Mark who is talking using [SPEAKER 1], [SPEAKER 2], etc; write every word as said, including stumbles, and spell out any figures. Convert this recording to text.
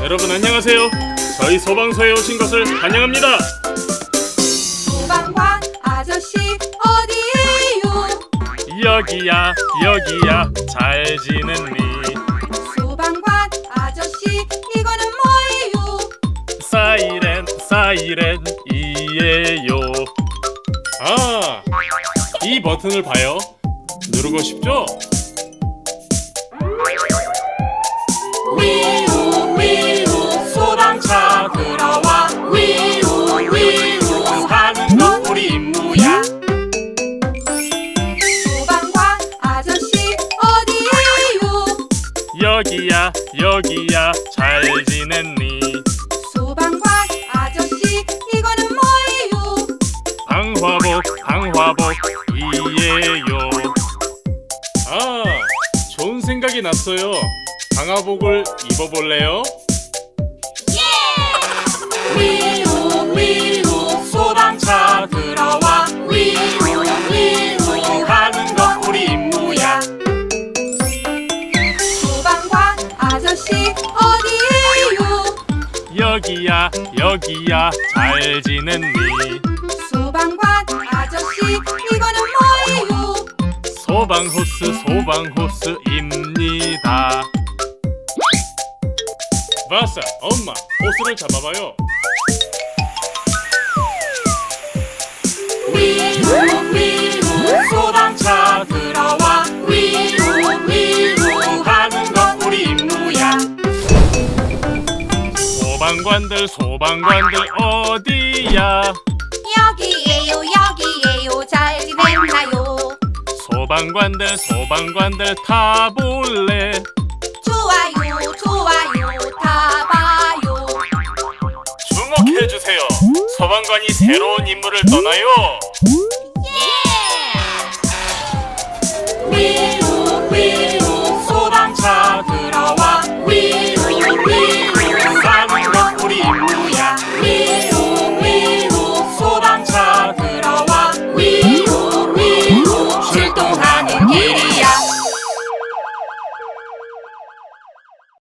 [SPEAKER 1] 여러분 안녕하세요. 저희 소방서에 오신 것을 환영합니다.
[SPEAKER 2] 소방관 아저씨 어디에요?
[SPEAKER 1] 여기야 여기야 잘 지냈니?
[SPEAKER 2] 소방관 아저씨 이거는 뭐예요?
[SPEAKER 1] 사이렌 사이렌 이에요. 아, 이 버튼을 봐요. 누르고 싶죠?
[SPEAKER 2] 위우 위우 소방차 들어와 위우 위우
[SPEAKER 1] 하는 건 우리 임무야.
[SPEAKER 2] 소방관 아저씨 어디에요?
[SPEAKER 1] 여기야 여기야 잘 지냈니?
[SPEAKER 2] 소방관 아저씨 이거는 뭐예요?
[SPEAKER 1] 방화복 방화복 이에요. 아, 좋은 생각이 났어요. 방화복을 입어볼래요?
[SPEAKER 2] 위우 위우 소방차 들어와 위우 위우
[SPEAKER 1] 하는 건 우리 임무야.
[SPEAKER 2] 소방관 아저씨 어디에요?
[SPEAKER 1] 여기야 여기야 잘 지냈니?
[SPEAKER 2] 소방관 아저씨 이거는 뭐예요?
[SPEAKER 1] 소방호스 소방호스입니다. 바사, 엄마, 호스를 잡아봐요.
[SPEAKER 2] 위우 위우 소방차 들어와 위우 위우
[SPEAKER 1] 하는 건 우리 임무야. 소방관들 소방관들 어디야?
[SPEAKER 2] 여기에요 여기에요 잘 지냈나요?
[SPEAKER 1] 소방관들 소방관들 타볼래?
[SPEAKER 2] 좋아요 좋아요 다 봐요.
[SPEAKER 1] 주목해주세요. 소방관이 새로운 임무를 떠나요.
[SPEAKER 2] 예!